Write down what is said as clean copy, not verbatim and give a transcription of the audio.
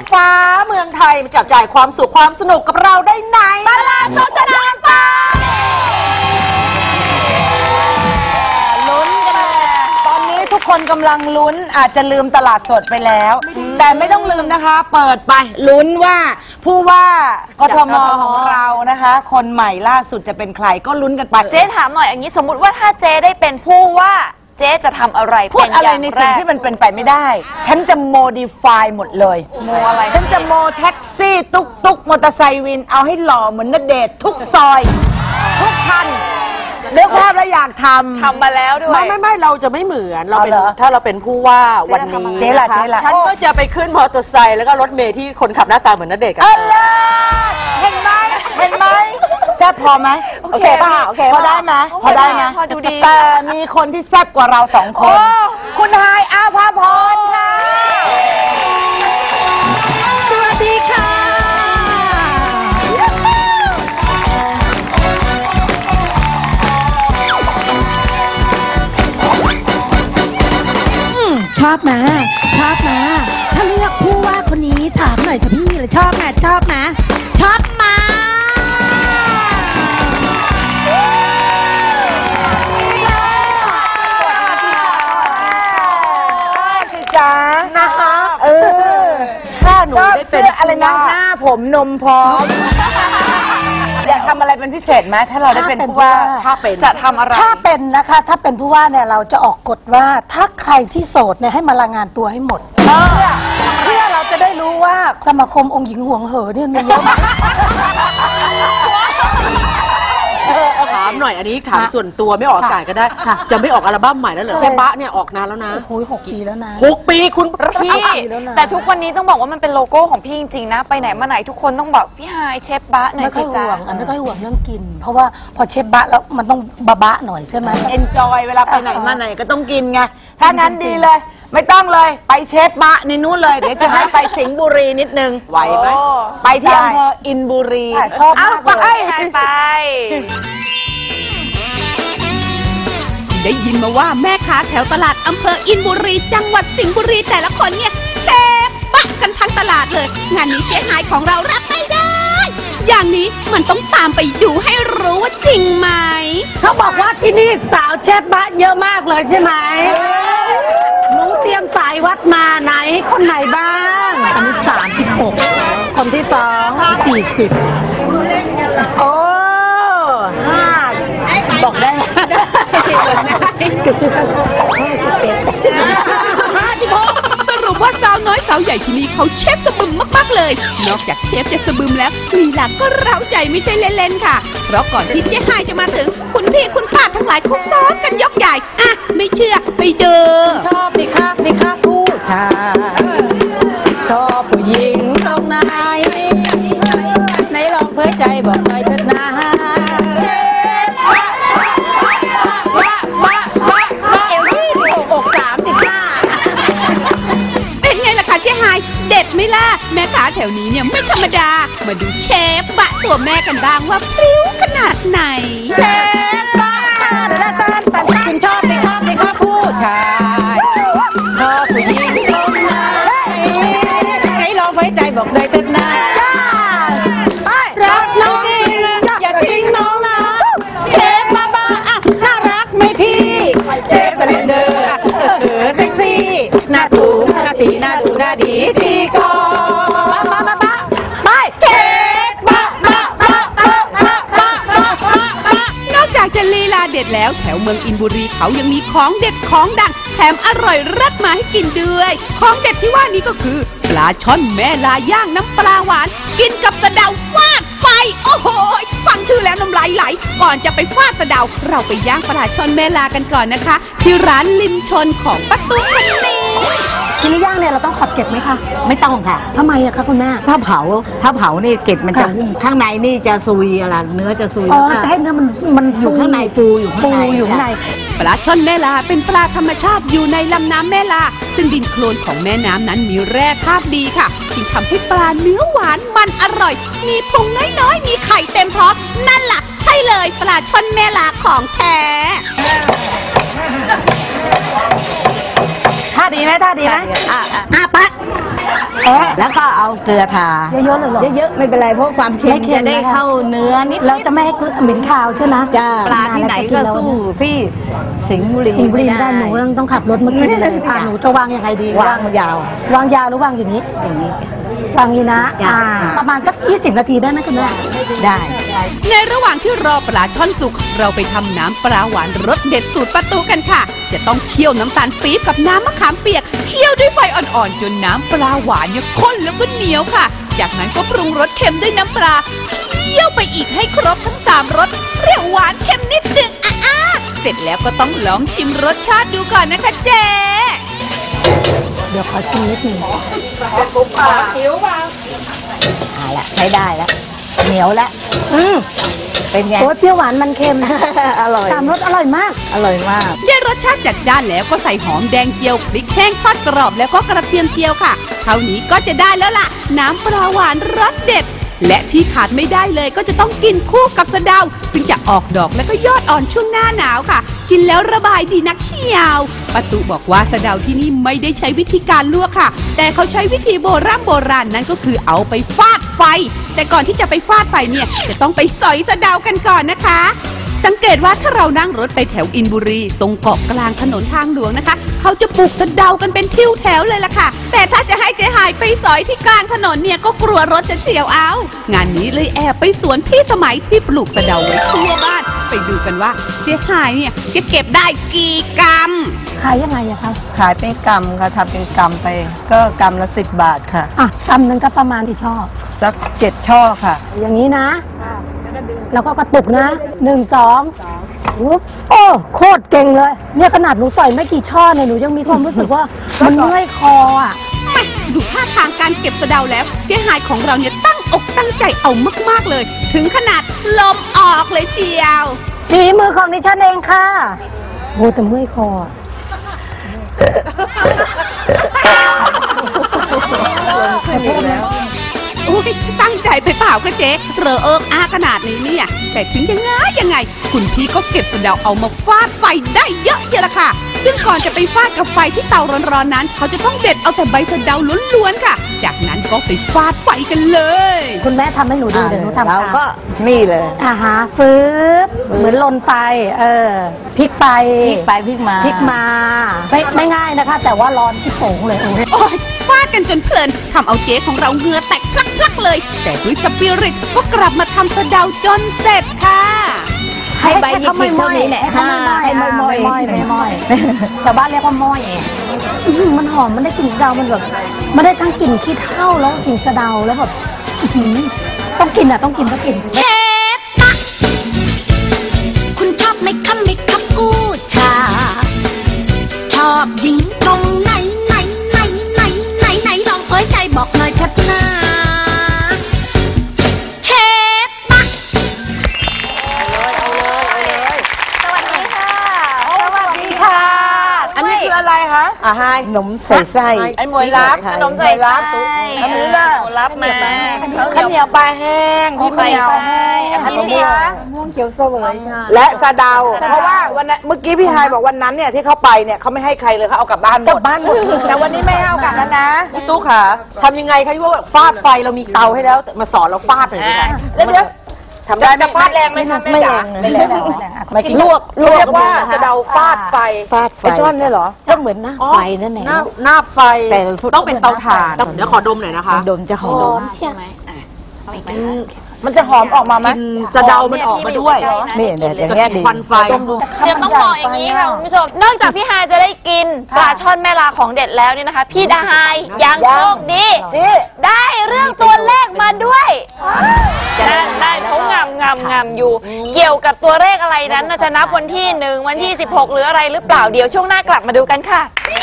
ฟ้าเมืองไทยมาจับจ่ายความสุขความสนุกกับเราได้ไหนตลาดสดสนามเป้าลุ้นกันตอนนี้ทุกคนกำลังลุ้นอาจจะลืมตลาดสดไปแล้วแต่ไม่ต้องลืมนะคะเปิดไปลุ้นว่าผู้ว่ากทมของเรานะคะคนใหม่ล่าสุดจะเป็นใครก็ลุ้นกันไปเจ๊ถามหน่อยอย่างนี้สมมุติว่าถ้าเจ๊ได้เป็นผู้ว่าเจ๊จะทำอะไรพูดอะไรในสิ่งที่มันเป็นไปไม่ได้ฉันจะโมดิฟายหมดเลยโมอะไรฉันจะโมแท็กซี่ตุ๊กมอเตอร์ไซค์วินเอาให้หล่อเหมือนณเดชน์ทุกซอยทุกคันเลือกภาพแล้วอยากทำมาแล้วด้วยไม่เราจะไม่เหมือนเราเป็นถ้าเราเป็นผู้ว่าวันนี้เจ๊ล่ะฉันก็จะไปขึ้นมอเตอร์ไซค์แล้วก็รถเมล์ที่คนขับหน้าตาเหมือนณเดชน์กันเห็นไหมแซ่บพอไหมโอเคป่ะพอได้ไหมพอได้ไหมพอดูดีแต่มีคนที่แซ่บกว่าเราสองคนคุณไฮายอาภาพรค่ะสวัสดีค่ะชอบมาถ้าเลือกผู้ว่าคนนี้ถามหน่อยค่ะพี่เลยชอบมาชอบมานะคะถ้าหนูได้เป็นอะไรนะหน้าผมนมพร้อมอยากทำอะไรเป็นพิเศษไหมถ้าเราได้เป็นผู้ว่าถ้าเป็นจะทำอะไรถ้าเป็นนะคะถ้าเป็นผู้ว่าเนี่ยเราจะออกกฎว่าถ้าใครที่โสดเนี่ยให้มารายงานตัวให้หมดเพื่อเราจะได้รู้ว่าสมาคมองค์หญิงห่วงเหอเนี่ยมีเยอะถามหน่อยอันนี้ถามส่วนตัวไม่ออกอากาศก็ได้จะไม่ออกอัลบั้มใหม่แล้วเหรอใช่ปะเนี่ยออกนานแล้วนะโอ้ย6 ปีแล้วนะ 6 ปีคุณพี่แต่ทุกวันนี้ต้องบอกว่ามันเป็นโลโก้ของพี่จริงๆนะไปไหนมาไหนทุกคนต้องบอกพี่ไฮเชฟบะหน่อยสิจ๊ะไม่ค่อยห่วงเรื่องกินเพราะว่าพอเชฟบะแล้วมันต้องบะหน่อยใช่ไหมเอนจอยเวลาไปไหนมาไหนก็ต้องกินไงถ้างั้นดีเลยไม่ต้องเลยไปเชฟบะในนู้นเลยเดี๋ยวจะให้ไปสิงห์บุรีนิดนึงไหวไหมไปที่อำเภออินบุรีชอบมากไปได้ยินมาว่าแม่ค้าแถวตลาดอำเภออินบุรีจังหวัดสิงห์บุรีแต่ละคนเนี่ยเชฟบะกันทั้งตลาดเลยงานนี้เจ๊หายของเรารับไม่ได้อย่างนี้มันต้องตามไปดูให้รู้ว่าจริงไหมเขาบอกว่าที่นี่สาวเชฟบะเยอะมากเลยใช่ไหมหนูเตรียมสายวัดมาไหนคนไหนบ้างคนที่36คนที่2 40โอ้5บอกได้ไหมสรุปว่าสาวน้อยสาวใหญ่ที่นี่เขาเชฟสะบึมมากๆเลยนอกจากเชฟจะสะบึมแล้วลีลาก็เร้าใจไม่ใช่เล่นๆค่ะเพราะก่อนที่เจ๊ไฮจะมาถึงคุณพี่คุณป้าทั้งหลายเขาซ้อมกันยกใหญ่อะไม่เชื่อไปดูชอบมีค่าผู้ชายชอบผู้หญิงตรงไหนไหนลองเผยใจบอกหน่อยเถิดนะเด็ดไหมล่ะแม่ค้าแถวนี้เนี่ยไม่ธรรมดามาดูเชฟบะตัวแม่กันบ้างว่าพริ้วขนาดไหนเชฟบะคุณชอบไหมครับผู้ชายชอบผู้หญิงตรงไหนให้ลองไว้ใจบอกเลยเถิดนะรักน้องอย่าทิ้งน้องนะเชฟบะน่ารักไหมพี่เชฟสเลนเดอร์เซ็กซี่หน้าสูงหน้าสีหน้าดูหน้าดีทีก่อนไปเชฟบะนอกจากจะลีลาเด็ดแล้วแถวเมืองอินบุรีเขายังมีของเด็ดของดังแถมอร่อยเลิศมาให้กินด้วยของเด็ดที่ว่านี้ก็คือปลาช่อนแม่ลาย่างน้ำปลาหวานกินกับสะเดาฟาดไฟโอ้โหฟังชื่อแล้วน้ำลายไหลก่อนจะไปฟาดสะเดาเราไปย่างปลาช่อนแม่ลากันก่อนนะคะที่ร้านริมชนของป้าตุ๊กคนนี้ทีนี้ย่างเนี่ยเราต้องขอบเกล็ดไหมคะไม่ต้องค่ะทำไมอะคะคุณแม่ถ้าเผานี่เกล็ดมันจะหุ้มข้างในนี่จะซุยอะไรเนื้อจะซุยจะให้เนื้อมันอยู่ข้างในฟูอยู่ข้างในปลาช่อนแม่ลาเป็นปลาธรรมชาติอยู่ในลำน้ำแม่ลาซึ่งดินโคลนของแม่น้ำนั้นมีแร่ธาตุดีค่ะจึงทำให้ปลาเนื้อหวานมันอร่อยมีพุงน้อยๆมีไข่เต็มท้องนั่นล่ะใช่เลยปลาช่อนแม่ลาของแท้ท่าดีไหมปะแล้วก็เอาเกลือทาเยอะๆเลยเหรอเยอะๆไม่เป็นไรเพราะความเค็มไม่เค็มจะได้นะคะเข้าเนื้อนิดเราจะไม่ให้เหม็นคาวใช่ไหมจ้าปลาที่ไหนก็สู้ที่สิงห์บุรีสิงห์บุรีไม่ได้หนูต้องขับรถมากินเลยหนูจะวางยังไงดีวางยาววางยาวหรือวางอย่างนี้อย่างนี้วางอย่างนี้นะประมาณสัก20 นาทีได้ไหมคุณแม่ได้ในระหว่างที่รอปลาช่อนสุกเราไปทำน้ำปลาหวานรสเด็ดสูตรประตูกันค่ะ จะต้องเคี่ยวน้ำตาลปี๊บกับน้ำมะขามเปียกเคี่ยวด้วยไฟอ่อนๆจนน้ำปลาหวานเนี่ยข้นแล้วก็เหนียวค่ะ จากนั้นก็ปรุงรสเค็มด้วยน้ำปลาเคี่ยวไปอีกให้ครบทั้ง3รสเปรี้ยวหวานเค็มนิดนึงเสร็จแล้วก็ต้องลองชิมรสชาติดูก่อนนะคะเจ๊เดี๋ยวขอชิมนิดหนึงเอาละใช้ได้แล้วเหนียวแล้วเป็นไงโอ้ยเปรี้ยวหวานมันเค็มอร่อย 3 รสอร่อยมากอร่อยมากได้รสชาติจัดจ้านแล้วก็ใส่หอมแดงเจียวพริกแห้งทอดกรอบแล้วก็กระเทียมเจียวค่ะเท่านี้ก็จะได้แล้วล่ะ น้ำปลาหวานรสเด็ด และที่ขาดไม่ได้เลยก็จะต้องกินคู่กับสะเดาซึ่งจะออกดอกและก็ยอดอ่อนช่วงหน้าหนาวค่ะ กินแล้วระบายดีนักเชียวป้าตุบอกว่าสะเดาที่นี่ไม่ได้ใช้วิธีการลวกค่ะ แต่เขาใช้วิธีโบราณนั่นก็คือเอาไปฟาดไฟ แต่ก่อนที่จะไปฟาดไฟเนี่ยจะต้องไปสอยสะเดากันก่อนนะคะ สังเกตว่าถ้าเรานั่งรถไปแถวอินบุรีตรงเกาะกลางถนนทางหลวงนะคะเขาจะปลูกสะเดากันเป็นทิวแถวเลยล่ะค่ะแต่ถ้าจะให้เจ๊หายไปสอยที่กลางถนนเนี่ยก็กลัวรถจะเฉี่ยวเอางานนี้เลยแอบไปสวนพี่สมัยที่ปลูกสะเดาไว้ทั่วบ้านไปดูกันว่าเจ๊หายเนี่ยจะเก็บได้กี่กรัมขายยังไงอะคะขายเป็นกำค่ะทำเป็นกำไป ก็กำละ10 บาทค่ะกำนึงก็ประมาณที่ชอบสัก7 ช่อค่ะอย่างนี้นะ แล้วก็กระตุกนะ1 2วุ๊บโอ้โคตรเก่งเลยเนี่ยขนาดหนูใส่ไม่กี่ช่อเนี่ยหนูยังมีความรู้สึกว่ามันเมื่อยคออ่ะแม่ดูท่าทางการเก็บสะเดาแล้วเจ๊หายของเราเนี่ยตั้งอกตั้งใจเอามากๆเลย ถึงขนาดลมออกเลยเชียวฝีมือของดิฉันเองค่ะโอ้แต่เมื่อยคออะอุ๊ยตั้งใจไปเปล่าคะเจ๊เรอเอิกอาขนาดนี้เนี่ยแต่ถึงยังไงคุณพี่ก็เก็บสะเดาเอามาฟาดไฟได้เยอะเยอะละค่ะ ซึ่งก่อนจะไปฟาดกับไฟที่เตาร้อนๆนั้น เขาจะต้องเด็ดเอาแต่ใบสะเดาล้วนๆค่ะ จากนั้นก็ไปฟาดไฟกันเลยคุณแม่ทำให้หนูดูเดี๋ยวหนูทำเราตามก็นี่เลยฟื้นเหมือนลนไฟพลิกไปพลิกไปพลิกมาพลิกมาไม่ง่ายนะคะ แต่ว่าร้อนที่โป่งเลยโอ้ยฟาดกันจนเพลินทำเอาเจ๊ของเราเหงื่อแตกพลักๆเลย แต่ด้วยสปิริตก็กลับมาทำสะเดาจนเสร็จค่ะให้ใบหยิกๆเท่านี้แหละให้ไม่ม้อยแต่บ้านเรียกว่าม้อยมันหอมมันได้กลิ่นสะเดามันแบบมันได้ทั้งกลิ่นขี้เถ้าแล้วกลิ่นสะเดาแล้วแบบต้องกินต้องกินเชฟปะคุณชอบไหมคะไหมคะกูชา ชอบยิงตรงไหนลองเผยใจบอกหน่อยเถิดนะเชฟปะสวัสดีค่ะอันนี้คืออะไรคะให้ขนมใส่ไส้ไอ้หมวยรับขนมใส่ไส้อันนี้ล่ะหนูรับมาข้าวเหนียวปลาแห้งพี่ใส่เหนียวไส้อันนี้ค่ะม่วงเขียวเสวยค่ะและสะเดา เพราะว่าวันนั้นเมื่อกี้พี่ไฮายบอกวันนั้นเนี่ยที่เขาไปเนี่ยเขาไม่ให้ใครเลยเขาเอากลับบ้านหมดกลับบ้านหมดแต่วันนี้ไม่ให้เอากลับแล้วนะพี่ตุ๊กค่ะทำยังไงคะที่ว่าฟาดไฟเรามีเตาให้แล้วมาสอนเราฟาดหน่อยสิคะแล้วเดี๋ยวทำได้จะฟาดแรงไหมคะไม่แรงไม่แรงไม่ลวกเรียกว่าสะเดาฟาดไฟฟาดไฟไอช่อนเนี่ยเหรอก็เหมือนหน้าไฟนั่นแหละหน้าไฟแต่ต้องเป็นเตาถ่านเดี๋ยวขอดมหน่อยนะคะดมจะหอมมันจะหอมออกมาไหมสะเดามันออกมาด้วยนี่เนี่ยอย่างจะเงี้ยกินดีควันไฟเดี๋ยวต้องบอกอย่างนี้ค่ะคุณผู้ชม นอกจากพี่ฮายจะได้กินปลาช่อนแม่ลาของเด็ดแล้วเนี่ยนะคะ พี่ดาฮายยังโชคดีได้เรื่องตัวเลขมาด้วยได้เขางำอยู่ เกี่ยวกับตัวเลขอะไรนั้นน่ะจะนับวันที่ 1 วันที่ 16 หรืออะไรหรือเปล่าเดี๋ยวช่วงหน้ากลับมาดูกันค่ะ